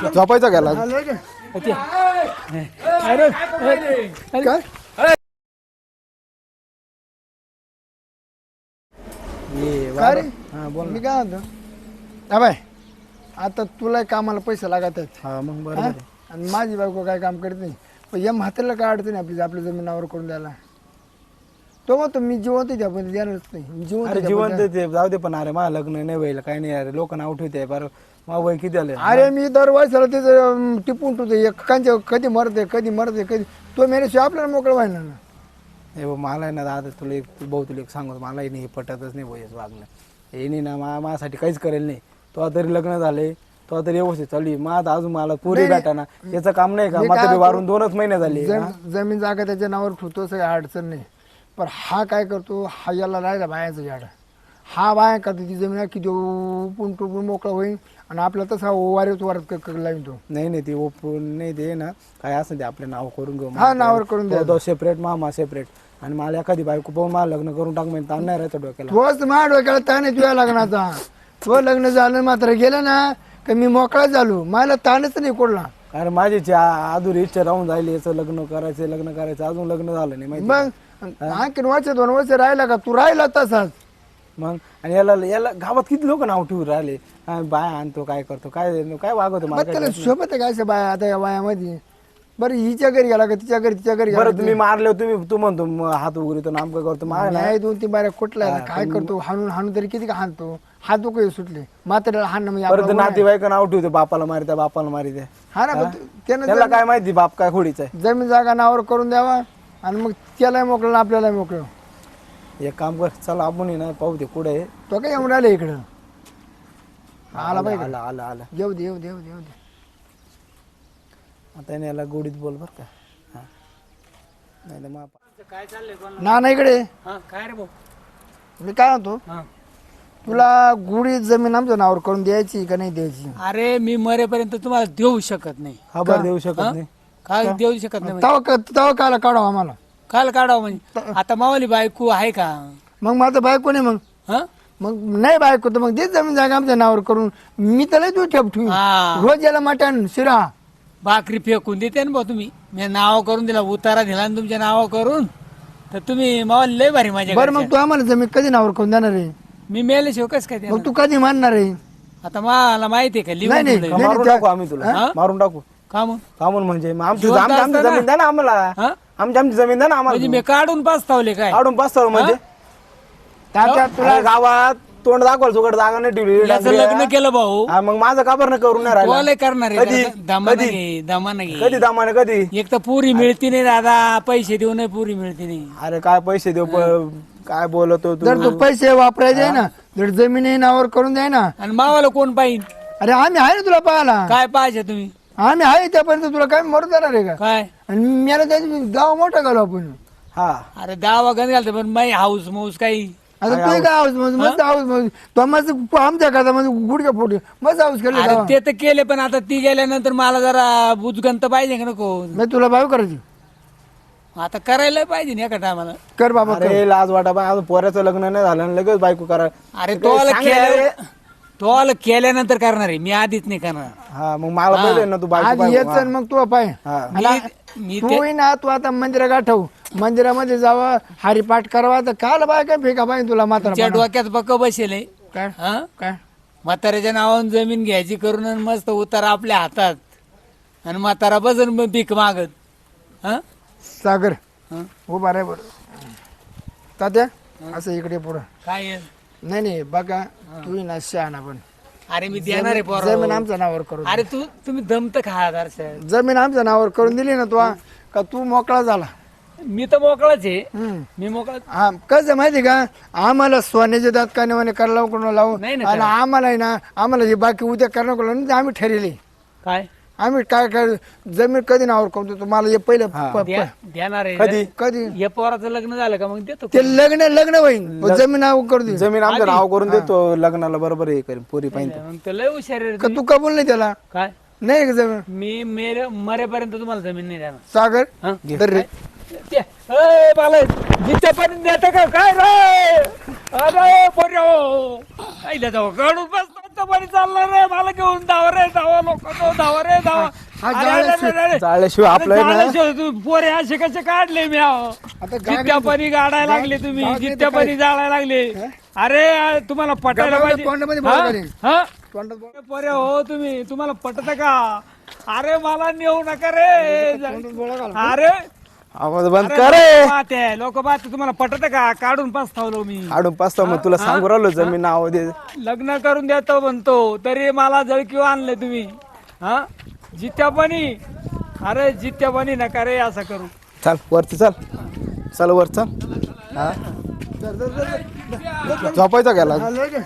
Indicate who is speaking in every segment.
Speaker 1: झोपायचा गेला काय काय रे मी काय म्हणतो हा बाय आता तुला कामाला पैसे लागत आहेत
Speaker 2: हा मग बरोबर आहे.
Speaker 1: आणि माझी बायको काय काम करत नाही पण या म्हाताऱ्याला काय अडचण आहे आपल्या जमिनावर करून द्यायला तो म्हणतो मी जिवंत द्या पण देणारच नाही
Speaker 2: अरे जिवंत ते जाऊ दे पण अरे मला लग्न नाही व्हायला काही नाही अरे लोक नाव ठेवते बरं मग वय किती आले
Speaker 1: अरे मी दरवर्षाला त्याचं टिपून ठेवतो एकांच्या कधी मरते कधी तो मेल्याशिवाय आपल्याला मोकळं व्हायला ना
Speaker 2: हे बघ मला आहे ना दादा तुला तुला एक सांगतो मलाही नाही हे पटतच नाही बोयच वागणं हे नाही ना माझ्यासाठी काहीच करेल नाही तो तरी लग्न झाले तो तरी व्यवस्थित चालू मग अजून मला पुरी भेटाना याचं काम नाही का मग वारून 2च महिने झाले
Speaker 1: जमीन जागा त्याच्या नावावर ठेवतो सगळी अडचण नाही पण हा काय करतो हा याला राहिला बायाचं झाड हा बाया करतो ती जमीन किती उपून टुपून मोकळा होईल आणि आपला तसा वारीच वारत लावून तो
Speaker 2: नाही ते ओपून नाही दे ना काय असं ते आपलं नाव करून घेऊ
Speaker 1: हा नावावर करून द्या
Speaker 2: सेपरेट मामा सेपरेट आणि मला एखादी बायको पाहून मला लग्न करून टाक म्हणजे ताण नाही राहायचं डोक्याला
Speaker 1: तोच माझ्या डोक्याला ताण आहे तुझ्या लग्नाचा तो लग्न झालं मात्र गेलं ना का मी मोकळा झालो मला ताणच नाही कोडला
Speaker 2: अरे माझी अधुरी इच्छा राहून जायली याचं लग्न करायचं अजून लग्न झालं नाही माहिती
Speaker 1: मग आणखीन 2 वर्ष राहिला का तू राहिला तसाच
Speaker 2: मग आणि याला गावात किती लोक नाव ठेवून राहिले बाय आणतो काय करतो काय वागवतो
Speaker 1: मग त्याला सोबत आहे काय बाया आता या वयामध्ये बरं हिच्या घरी गेला का तिच्या घरी
Speaker 2: बरं तुम्ही मारले तू म्हणतो हात उघडतो नामकं करतो
Speaker 1: नाही 2-3 बाऱ्या कुठला काय करतो हाणून तरी किती का हाणतो हात काही सुटले मात्र हाणणं म्हणजे
Speaker 2: नातेवाईक नाव ठेवतो बापाला मारित्या
Speaker 1: हा ना
Speaker 2: त्याला काय माहिती बाप काय खोडीचा आहे
Speaker 1: जमीन जागा नावावर करून द्यावा आणि मग त्यालाही मोकळं आपल्याला मोकळं
Speaker 2: एक काम कर चला आपण ना पाहू दे कुठे आहे
Speaker 1: तो काय येऊन राहिले इकडं आला पाहिजे
Speaker 2: आला
Speaker 1: येऊ दे
Speaker 2: आता याला गोडीत बोल बर का नाही मग
Speaker 3: काय चाललंय
Speaker 1: ना इकडे
Speaker 3: काय रे भाऊ
Speaker 1: मी काय म्हणतो तुला गुढी जमीन आमच्या नावावर करून द्यायची का नाही द्यायची
Speaker 3: अरे मी मरेपर्यंत तुम्हाला देऊ शकत नाही
Speaker 2: खबर देऊ शकत नाही
Speaker 3: काय देऊ शकत नाही
Speaker 1: तवा काला काढावं आम्हाला
Speaker 3: काल काढावं म्हणजे आता मावाली बायको आहे का
Speaker 1: मग माझं बायको नाही मग नाही बायको तर मग देच जमीन जागा आमच्या नावावर करून मी त्याला तू ठेवू रोज याला मटण शिरा
Speaker 3: भाकरी फेकून देते ना भाऊ तुम्ही मी नाव करून दिला उतारा दिला ना तुमच्या नाव करून तर तुम्ही मावाली लय भारी माझ्या
Speaker 1: बरं मग तू आम्हाला जमीन कधी नावावर करून देणार आहे
Speaker 3: मी मेल्याशिवाय कस काय
Speaker 1: मग तू कधी मानणार आहे
Speaker 3: आता मला माहिती आहे का लिहून
Speaker 2: मारून टाकू आम्ही तुला मारून टाकू
Speaker 3: का मग
Speaker 2: म्हणजे आमची जमीन द्या ना आम्हाला आमची जमीन द्या ना आम्हाला
Speaker 3: म्हणजे मी काढून पाचतावले काय
Speaker 2: काढून पाचताव म्हणजे तुला गावात तोंड दाखवाल सुकट जागा नाही ठेवली
Speaker 3: याचं लग्न केलं भाऊ
Speaker 2: मग माझं काबर नाही करून नाही राहिलं
Speaker 3: बोलाय करणार आहे दमाने
Speaker 2: कधी दामाने कधी
Speaker 3: एक तर पुरी मिळती नाही दादा पैसे देऊ नाही पुरी मिळती नाही
Speaker 2: अरे काय पैसे देऊ काय बोलतो तू
Speaker 1: जर तू पैसे वापरायचे ना जर जमीन नावावर करून द्याय ना
Speaker 3: आणि मावाला कोण पाहिजे
Speaker 1: अरे आम्ही आहे ना तुला पाहायला
Speaker 3: काय पाहिजे तुम्ही
Speaker 1: आम्ही आहे त्यापर्यंत तुला काय मरून जाणार आहे का
Speaker 3: काय
Speaker 1: आणि मला त्याची गाव मोठा घालू आपण
Speaker 2: हा
Speaker 3: अरे दावा गण घालतो पण माई हाऊस मौस काही
Speaker 1: आता तू काय हाऊस मस्त हाऊस तो मस्त आमच्या करता म्हणजे गुडघ्या फोटे मस्त हाऊस केलं
Speaker 3: अरे ते तर केले पण आता ती गेल्यानंतर मला जरा बुजगंत पाहिजे का नको
Speaker 1: मी तुला भाव करायची
Speaker 3: आता करायला पाहिजे ना एका टायमाला
Speaker 1: कर बाबा
Speaker 2: अरे लाज वाटा बा अजून पोऱ्याचं लग्न नाही झालं आणि लगेच बायको करा
Speaker 3: अरे तो केल्यानंतर करणार आहे मी आधीच नाही करणार
Speaker 2: हा मग मला पहिले ना तू
Speaker 1: आज
Speaker 2: बायको
Speaker 1: येच मग तू पाय
Speaker 3: मी
Speaker 1: तू ना तू आता मंदिरा गाठव मंदिरामध्ये जावं हरिपाठ करावा तर काल बाय काय फेका पाहिजे तुला मात्र
Speaker 3: डोक्यात पक्क बसेल
Speaker 1: काय काय
Speaker 3: म्हाताऱ्याच्या नावानं जमीन घ्यायची करून आणि मस्त उतारा आपल्या हातात आणि म्हातारा बसन भीक मागत
Speaker 1: सागर उभा रे बरं तात्या असं इकडे पुढं
Speaker 3: काय
Speaker 1: नाही बघा तू ना शहाणा पण
Speaker 3: अरे मी देणार आहे पोरं.
Speaker 1: जमीन आमच्या नावावर करून
Speaker 3: अरे तुम्ही दमत खा
Speaker 1: जमीन आमच्या नावावर करून दिली ना तू का तू मोकळा झाला
Speaker 3: मी तर मोकळाच आहे मी मोकळा
Speaker 1: हा कसं माहिती का आम्हाला सोन्याचे दात कानेवाने करायला कोण लावून
Speaker 3: नाही ना
Speaker 1: आणि आम्हाला आहे ना आम्हाला हे बाकी उद्या करणार कोण आम्ही ठरले
Speaker 3: काय
Speaker 1: आम्ही काय जमीन कधी नावावर करतो तुम्हाला हे पहिलं
Speaker 3: देणार आहे
Speaker 2: कधी
Speaker 1: कधी
Speaker 3: या पोराचं लग्न झालं का मग देतो
Speaker 1: ते लग्न होईल जमीन नाव करू दे
Speaker 2: जमीन आमचं नाव करून देतो लग्नाला बरोबर हे करेन पोरी पाहिजे
Speaker 3: मग तर लय हुशार आहे रे
Speaker 1: का तू कबूल नाही त्याला
Speaker 3: काय
Speaker 1: नाही का जमीन
Speaker 3: मी मरेपर्यंत तुम्हाला जमीन नाही देणार
Speaker 1: सागर
Speaker 3: हा?
Speaker 1: धर रे
Speaker 3: जिथपर्यंत देते का काय रे अरे पोर्यो आईला जाऊ काढून बसतो जिथं पाणी चाललं रे मला घेऊन धावा रे धावा लोक धावा रे धावा
Speaker 2: जाळल्याशिवाय आपलं ना
Speaker 3: तू पोरे असे कसे काढले मी जित्या पाणी गाडायला लागले तुम्ही जित्या पाणी जाळायला लागले अरे तुम्हाला पटायला पाहिजे
Speaker 1: तोंडामध्ये बोळा करेन.
Speaker 3: हा?
Speaker 1: तोंडात बोळा-
Speaker 3: पोरे हो तुम्ही तुम्हाला पटत का अरे मला नेऊ नका रे
Speaker 1: तोंडात बोळा घाल.
Speaker 3: अरे
Speaker 2: आवाज बंद कर रे.
Speaker 3: लोक बात तुम्हाला पटत का काढून पस्तावलो मी
Speaker 2: आडून पाचता मग तुला सांगू राहिलो जमीन नाव दे.
Speaker 3: लग्न करून देतो म्हणतो तरी मला जळकीव आणले तुम्ही हा जित्या पाणी अरे जित्या पाणी नका रे असं करू
Speaker 2: चल वरती चल चल वर चल हा झोपायचा गेला
Speaker 1: आलं का?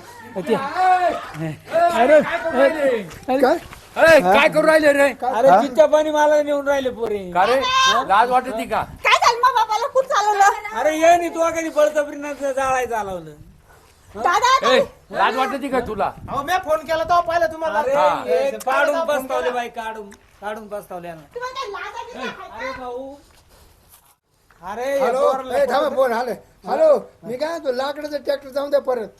Speaker 3: अरे
Speaker 1: काय?
Speaker 4: काय करू राहिले रे
Speaker 3: अरे जित्या पाणी मला नेऊन राहिले पोरे
Speaker 4: का रे लाज वाटत का
Speaker 5: काय झालं मग बाबाला खूप चालवलं
Speaker 3: अरे ये नाही तू कधी बळजबरीनं जाळायचं चालवलं
Speaker 5: दादा
Speaker 4: ए, लाज वाटत का तुला
Speaker 2: मी फोन केला तो पाहिलं तुम्हाला
Speaker 3: अरे हे काढून पस्तावले बाई काढून पस्तावले ना.
Speaker 5: तुम्हाला काय लाज आहे का?
Speaker 3: अरे भाऊ अरे हे
Speaker 1: हॅलो
Speaker 3: पोराला-
Speaker 1: ए, थांबा फोन आले हॅलो मी काय म्हणतो लाकडाचं ट्रॅक्टर जाऊन द्या परत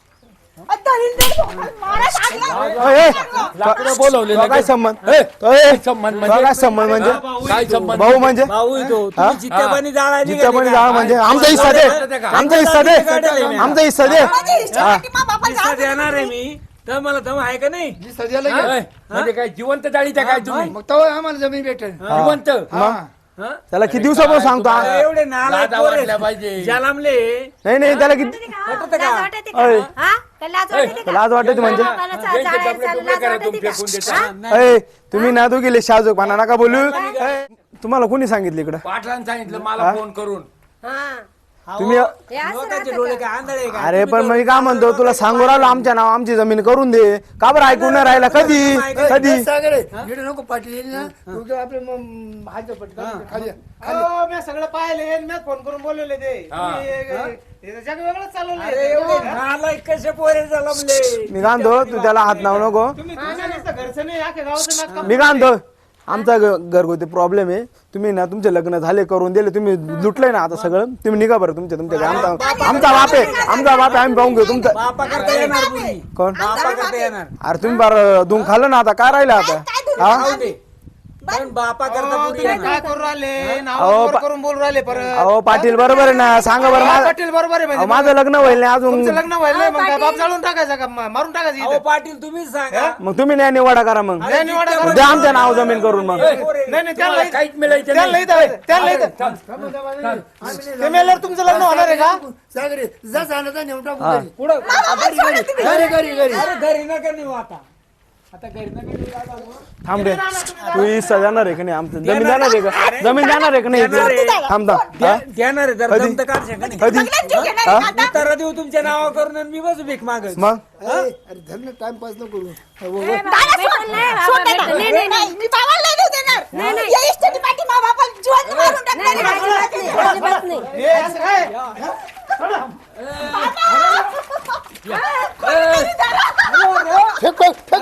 Speaker 4: लाकडं बोलवले
Speaker 2: काय संबंध
Speaker 4: ए,
Speaker 2: तो ए,
Speaker 4: संबंध
Speaker 2: तो काय संबंध म्हणजे
Speaker 4: काय संबंध
Speaker 2: भाऊ म्हणजे
Speaker 3: भाऊ येतो तुम्ही जित्या पाणी जाळायला
Speaker 2: जिथं पण
Speaker 3: निघाले
Speaker 2: जाळ
Speaker 3: का?
Speaker 2: म्हणजे आमचा हिस्सा दे आमचा हिस्सा दे आमचा हिस्सा दे
Speaker 5: माझ्या इष्टासाठी मग बाबाला
Speaker 3: पैसा देणार आहे मी तर मला दम आहे का नाही
Speaker 1: जी सध्याला घे.
Speaker 4: ए, म्हणजे काय जिवंत जाळीच्या काय तुम्ही
Speaker 1: मग तेव्हा आम्हाला जमीन भेटेल
Speaker 4: जिवंत
Speaker 1: हा
Speaker 3: हा?
Speaker 2: त्याला किती दिवसापासून सांगतो हा?
Speaker 3: अरे एवढे नालायक
Speaker 4: लाजा
Speaker 3: पोरं
Speaker 4: वाटल्या पाहिजे.
Speaker 3: जलामले
Speaker 2: नाही नाही त्याला किती
Speaker 3: पटतं का?
Speaker 2: अय,
Speaker 5: लाज वाटते का?
Speaker 2: लाज वाटते म्हणजे
Speaker 5: बाबाला
Speaker 4: यांचे
Speaker 5: जाळायला
Speaker 4: डबले
Speaker 5: चाललं,
Speaker 4: डुबले
Speaker 5: लाज
Speaker 4: करा
Speaker 5: वाटते
Speaker 4: तुम्ही
Speaker 5: का?
Speaker 4: फेकून
Speaker 5: हा?
Speaker 4: देता
Speaker 2: अय, तुम्ही ना तू गेले शाहजोग नका बोलू अय, तुम्हाला कोणी सांगितलं इकडं
Speaker 4: पाटलांनी सांगितलं मला फोन करून
Speaker 5: हा.
Speaker 2: तुम्ही
Speaker 5: हे असं
Speaker 3: लोकांचे
Speaker 5: राहतं
Speaker 3: डोळे
Speaker 5: का?
Speaker 3: काय आंधळे आहे का?
Speaker 2: अरे
Speaker 3: तुम्ही
Speaker 2: पण
Speaker 3: तर-
Speaker 2: मी काय म्हणतो तुला सांगू राहिलो आमच्या नाव आमची जमीन करून दे का बरं ऐकून नाही राहिला कधी कधी
Speaker 1: सागर इकडे नको पाटील येईल ना तू काय आपले मग हात पटका खाली
Speaker 2: मी सगळं पाहिले मी फोन करून बोलवले ते जग वेगळंच चालवलं
Speaker 3: अरे एवढे नालायक कसे पोरे जलमले
Speaker 2: मी काय म्हणतो तू त्याला हात लावू नको मी काय म्हणतो आमचा घरगुती प्रॉब्लेम आहे तुम्ही ना तुमचे लग्न झाले करून दिले तुम्ही लुटलंय ना आता सगळं तुम्ही निघा बरं तुमच्या तुमच्या आमचा आमचा बाप आहे आमचा बाप आहे आम्ही पाहून घेऊ तुमचा
Speaker 3: बापा करता येणार पुरी
Speaker 2: कोण
Speaker 3: बापा करता येणार
Speaker 2: अरे तुम्ही बरं धुवून खाल्लं ना आता काय राहिलं आता
Speaker 5: काय धुवून
Speaker 2: हा
Speaker 3: खाऊ दे. पण बापा करता पुरी येणार
Speaker 2: अहो, अहो पाटील बरोबर आहे ना सांगा बरं पाटील बरोबर आहे माझं लग्न होईल नाही अजून
Speaker 3: अहो पाटील तुम्हीच सांगा
Speaker 2: मग तुम्ही नाही निवाडा करा मग द्या आमच्या नाव जमीन करून मग
Speaker 4: तुम्हाला काहीच मिळायचं नाही.
Speaker 2: तुमचं लग्न होणार आहे का
Speaker 1: सागर जा जाण्याचा नेऊन टाकू घरी.
Speaker 3: पुढं
Speaker 1: घरी घरी घरी
Speaker 3: अरे घरी नका नेऊ आता घरी नका नेऊ दादा.
Speaker 2: थांब रे तू हिस्सा जाणार आहे का नाही आमचं जमीन जाणार आहे का जमीन जाणार आहे का नाही थांब थांब हा?
Speaker 3: देणार आहे जर
Speaker 2: कधी?
Speaker 3: दम तर काढ शका नाही
Speaker 2: कधी
Speaker 5: सगळ्यांनी जीव घेणार आहे का आता?
Speaker 3: तर देऊ तुमच्या नावा करून आणि मी बसू भीक मागत
Speaker 2: मग
Speaker 1: अरे धरण टाइमपास नको करू
Speaker 5: दादा सोड. सोड दादा. नाही, मी बाबाला नाही देऊ देणार. या इष्टाची पाठी मग बाबाला जिवंत मारून टाकणार आहे.
Speaker 1: फेक फेक फेक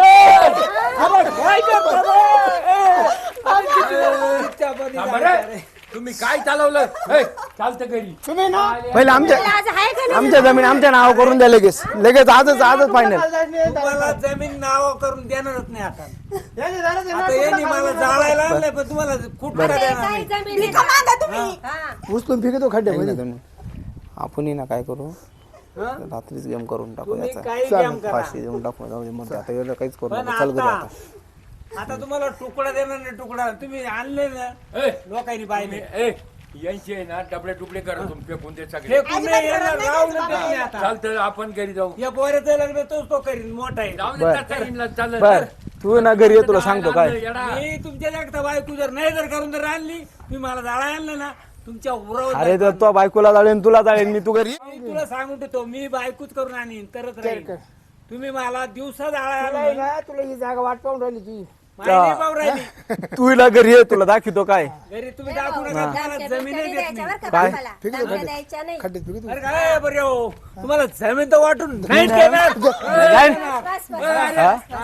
Speaker 4: थांबा रे. तुम्ही काय चालवलं ए, चालतं घरी
Speaker 2: पहिले आमच्या
Speaker 5: लाज आहे का नाही?
Speaker 2: आमच्या जमीन आमच्या नाव करून द्या लगेच लगेच आजच फायनल
Speaker 3: तुम्हाला जमीन नाव करून देणारच नाही आता यांनी मला जाळायला आणलंय पण तुम्हाला कुठं देणार नाही
Speaker 5: भिका मागा तुम्ही.
Speaker 1: उचलून फेकतो खड्ड्यामध्ये
Speaker 2: आपण ना काय करू रात्रीच गेम करून टाकू
Speaker 3: तुम्ही
Speaker 2: याचा
Speaker 3: काही काम करा
Speaker 2: फाशी देऊन टाकू जाऊ दे मग आता एवढं काहीच करू
Speaker 3: पण
Speaker 2: नका चल घरी
Speaker 3: आता
Speaker 2: आता
Speaker 3: आता तुम्हाला तुकडा देणार नाही तुकडा तुम्ही आणले ना
Speaker 4: ए,
Speaker 3: लोकांनी पाहिले
Speaker 4: ए, यांचे आहे ना डबडे टुकडे करा तुम्ही फेकून दे सगळे
Speaker 3: फेकून नाही येणार, राहून देत नाही आता.
Speaker 4: चालतं आपण घरी जाऊ
Speaker 3: या पोऱ्याचं लग्न तोच तो करीन मोठा आहे
Speaker 4: जाऊ दे
Speaker 2: बर.
Speaker 4: त्या ताईंना, चालेल.
Speaker 2: बर तू ना घरी ये तुला सांगतो काय
Speaker 4: येडा.
Speaker 3: मी तुमच्या जागता बायको जर नाही जर करून जर आणली मी मला जाळा आणलं ना तुमच्या उरावर
Speaker 2: अरे तर तो बायकोला जाळेन तुला जाळेन मी तू घरी
Speaker 3: मी तुला सांगून देतो मी बायकोच करून आणीन तरच राहील तुम्ही मला दिवसा जाळा आणला
Speaker 1: तुला ही जागा वाट पाहून राहिली तुझी
Speaker 3: माहिती पाहू राहिली
Speaker 2: तू हिला घरी ये तुला दाखवतो काय
Speaker 3: घरी तुम्ही दाखवू नका तुम्हाला जमीन देत नाही
Speaker 2: काय?
Speaker 5: द्यायच्या नाही.
Speaker 1: खड्ड्यात फेकतो
Speaker 3: अरे काय बरं हो तुम्हाला जमीन तर वाटून नाही देणार.
Speaker 2: जाईन.
Speaker 5: बस, बस.
Speaker 3: हा.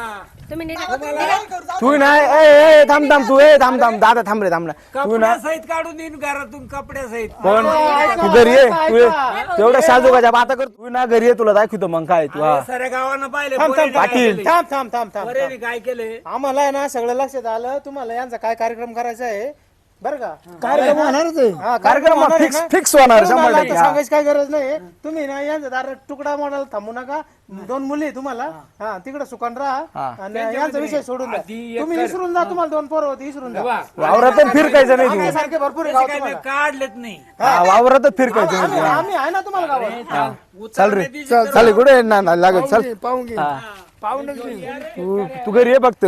Speaker 5: तुम्ही निघा.
Speaker 2: तू नाही ए थांब थांब तू थांब दादा थांब रे थांब ना तू ना
Speaker 3: कपड्यासहित काढून देईन घरातून कपड्यासहित.
Speaker 2: पण तू घरी ये तू ये. तेवढ्या साजूकाच्या बाता कर तू ना घरी ये तुला दाखवतो मग काय तू हा
Speaker 3: साऱ्या गावानं पाहिले
Speaker 2: थांब,
Speaker 3: पोरेने काय
Speaker 2: पाटील.
Speaker 3: केले.
Speaker 6: थांब थांब थांब थांब
Speaker 3: पोरेने काय केले.
Speaker 6: आम्हाला आहे ना सगळं लक्षात आलं तुम्हाला यांचा काय कार्यक्रम करायचा आहे बरं का
Speaker 1: कार्यक्रम होणारच आहे.
Speaker 6: हा,
Speaker 2: कार्यक्रम
Speaker 6: होणार आहे
Speaker 2: फिक्स
Speaker 6: ना?
Speaker 2: फिक्स होणार
Speaker 6: तुम्हाला
Speaker 2: 100%
Speaker 6: आता
Speaker 2: हा.
Speaker 6: सांगायची काय गरज नाही तुम्ही ना यांचा दार तुकडा मोडायला थांबू नका 2 मुली तुम्हाला हा तिकडे सुकान राहा आणि यांचा विषय सोडून द्या
Speaker 3: आधी एक
Speaker 6: तुम्ही विसरून जा तुम्हाला 2 पोरं होती विसरून जा
Speaker 2: वावरातच फिरकायचं नाही
Speaker 6: आम्ही
Speaker 2: तू
Speaker 6: सारखे भरपूर आहे
Speaker 3: त्याचे
Speaker 6: गावात
Speaker 3: काय
Speaker 6: तुम्हाला.
Speaker 3: ते काढलेत नाही.
Speaker 2: हा, वावरातच फिरकायचं नाही तू.
Speaker 6: आम्ही आहे ना तुम्हाला गावात
Speaker 2: चल रे
Speaker 3: उचलण्याची
Speaker 2: चल चालेल कुठे ना लागत चल
Speaker 1: पाहून घे
Speaker 2: हा.
Speaker 1: पाहूनच घे.
Speaker 2: तू घरी ये फक्त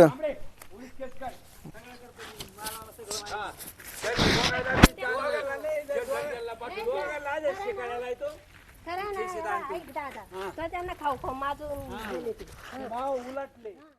Speaker 5: खरं ना, ऐक दादा. तर त्यांना खाऊ खाऊ माझून गेले ते.
Speaker 3: भाव उलटले.